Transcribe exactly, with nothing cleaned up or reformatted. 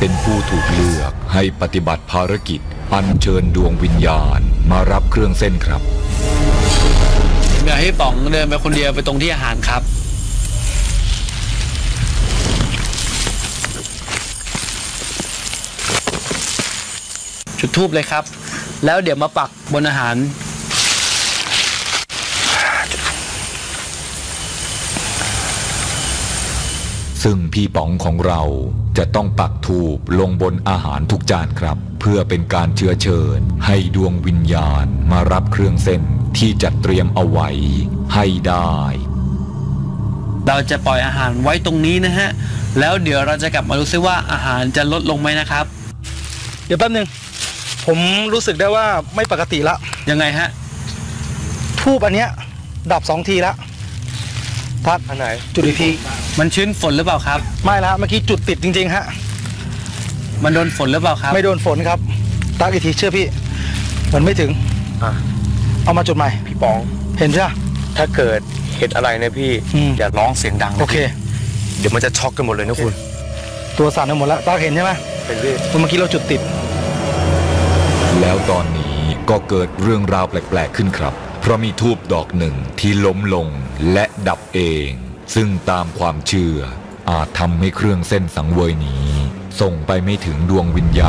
เป็นผู้ถูกเลือกให้ปฏิบัติภารกิจอัญเชิญดวงวิญญาณมารับเครื่องเส้นครับเดี๋ยวให้ป๋องเดินไปคนเดียวไปตรงที่อาหารครับจุดธูปเลยครับแล้วเดี๋ยวมาปักบนอาหารซึ่งพี่ป๋องของเราจะต้องปักธูปลงบนอาหารทุกจานครับเพื่อเป็นการเชื้อเชิญให้ดวงวิญญาณมารับเครื่องเส้นที่จัดเตรียมเอาไว้ให้ได้เราจะปล่อยอาหารไว้ตรงนี้นะฮะแล้วเดี๋ยวเราจะกลับมาดูซิว่าอาหารจะลดลงไหมนะครับเดี๋ยวแป๊บนึงผมรู้สึกได้ว่าไม่ปกติละยังไงฮะทูบอันเนี้ยดับสองทีละทัดอันไหนจุดอีกทีมันชื้นฝนหรือเปล่าครับไม่ละเมื่อกี้จุดติดจริงๆฮะมันโดนฝนหรือเปล่าครับไม่โดนฝนครับตักอีกทีเชื่อพี่มันไม่ถึงอ่ะเอามาจุดใหม่พี่ป๋องเห็นใช่ไหมถ้าเกิดเห็นอะไรเนี่ยพี่อย่าร้องเสียงดังโอเคเดี๋ยวมันจะช็อกกันหมดเลยนะคุณตัวสั่นกันหมดแล้วตักเห็นใช่ไหมเห็นพี่เมื่อกี้เราจุดติดแล้วตอนนี้ก็เกิดเรื่องราวแปลกๆขึ้นครับเพราะมีธูปดอกหนึ่งที่ล้มลงและดับเองซึ่งตามความเชื่ออาจทำให้เครื่องเส้นสังเวยนี้ส่งไปไม่ถึงดวงวิญญาณ